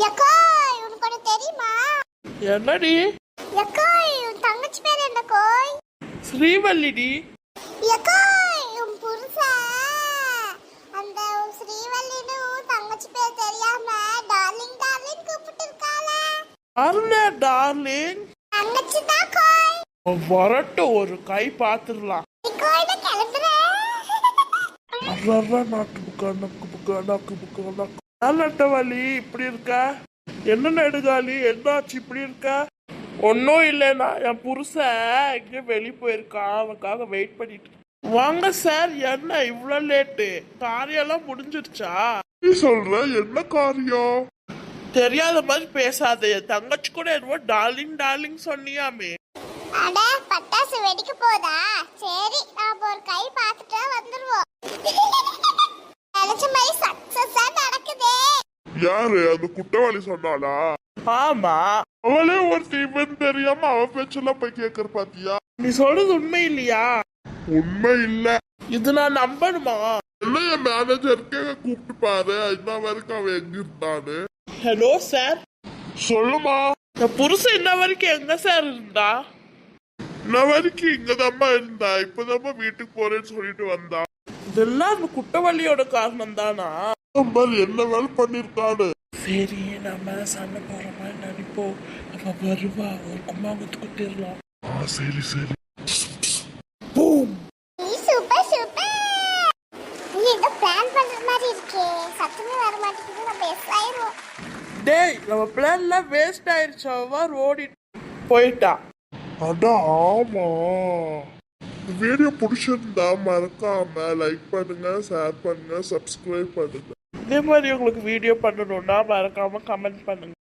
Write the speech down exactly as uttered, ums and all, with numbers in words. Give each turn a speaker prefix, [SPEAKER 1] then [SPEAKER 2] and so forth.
[SPEAKER 1] யக்காய் உனக்கு ஒண்ணு தெரியுமா?
[SPEAKER 2] என்னடி?
[SPEAKER 1] யக்காய் உன் தங்கச்சி பேர் என்ன கோய்?
[SPEAKER 2] ஸ்ரீவல்லிடி.
[SPEAKER 1] யக்காய் உன் புருஷன் அந்த ஸ்ரீவல்லின்னு உன் தங்கச்சி பேர் தெரியாம டார்லிங் டார்லிங் கூப்பிட்டு இருக்காளே.
[SPEAKER 2] அருண டார்லிங்.
[SPEAKER 1] தங்கச்சி தான் கோய்.
[SPEAKER 2] வரட்டும் ஒரு கை பாத்துடலாம்.
[SPEAKER 1] கோயில கிளம்புறேன்.
[SPEAKER 2] அறா நாக்கு புக்கா நக்கு புக்கா நக்கு புக்கா நக்கு. நட்டவழி இப்படி இருக்கா? என்ன நெடுகாலி என்னாச்சு இப்படி இருக்கா? ஒன்னும் இல்லைண்ணா, என் புருஷன் இங்கே வெளியே போயிருக்கான், அவனுக்காக வெயிட் பண்ணிட்டு. வாங்க சார், என்ன இவ்வளோ லேட்டு? காரியெல்லாம் முடிஞ்சிருச்சா? நீ சொல்ற என்ன காரியம்? தெரியாத மாதிரி பேசாத. என் தங்கச்சி கூட என்னவோ டார்லிங் டார்லிங் சொன்னியாமே.
[SPEAKER 1] அட பட்டாசு வெடிக்க போதா? சரி நாம ஒரு கை பார்த்துட்டு வந்துருவோம். நினைச்ச மாதிரி சக்சஸா நடக்குதே.
[SPEAKER 3] யாரு அந்த குற்றவாளி சொன்னாளா?
[SPEAKER 2] ஆமா,
[SPEAKER 3] அவளே ஒரு தீவன் தெரியாம அவ பேச்செல்லாம் போய் கேக்குற பாத்தியா?
[SPEAKER 2] நீ சொல்றது உண்மை இல்லையா?
[SPEAKER 3] உண்மை இல்ல.
[SPEAKER 2] இது நான் நம்பணுமா?
[SPEAKER 3] என்ன என் மேனேஜருக்கு கூப்பிட்டு பாரு, இன்ன வரைக்கும் அவன் எங்க இருந்தான்னு.
[SPEAKER 2] Hello sir.
[SPEAKER 3] சொல்லுமா.
[SPEAKER 2] என் புருஷன் இன்ன வரைக்கும் எங்க சார் இருந்தா?
[SPEAKER 3] இன்ன வரைக்கும் இங்கதாம்மா இருந்தா, இப்பதாம்மா வீட்டுக்கு போறேன்னு சொல்லிட்டு வந்தா.
[SPEAKER 2] இதெல்லாம் அந்த குற்றவாளியோட காரணம் தானா?
[SPEAKER 3] என்ன வேலை பண்ணிருக்காரு?
[SPEAKER 2] சரி, நம்ம சண்டை போற மாதிரி நினைப்போம். நம்ம வருவா, ஒரு கும்மாங்கத்து குத்திடலாம்.
[SPEAKER 3] சரி சரி.
[SPEAKER 2] பூம்.
[SPEAKER 1] Super super. நீ ஏதோ பிளான் பண்ற மாதிரி இருக்கே. சத்தமே வர மாட்டேங்குது. நம்ம எஸ் ஆயிரோம்.
[SPEAKER 2] டேய், நம்ம பிளான்லாம் வேஸ்ட் ஆயிடுச்சு. அவ ஓடி போயிட்டா.
[SPEAKER 3] அட ஆமா. வீடியோ பிடிச்சிருந்தா மறக்காம லைக் பண்ணுங்க, ஷேர் பண்ணுங்க, சப்ஸ்கிரைப் பண்ணுங்க.
[SPEAKER 2] இதே மாதிரி உங்களுக்கு வீடியோ பண்ணணும்னா மறக்காம கமெண்ட் பண்ணுங்க.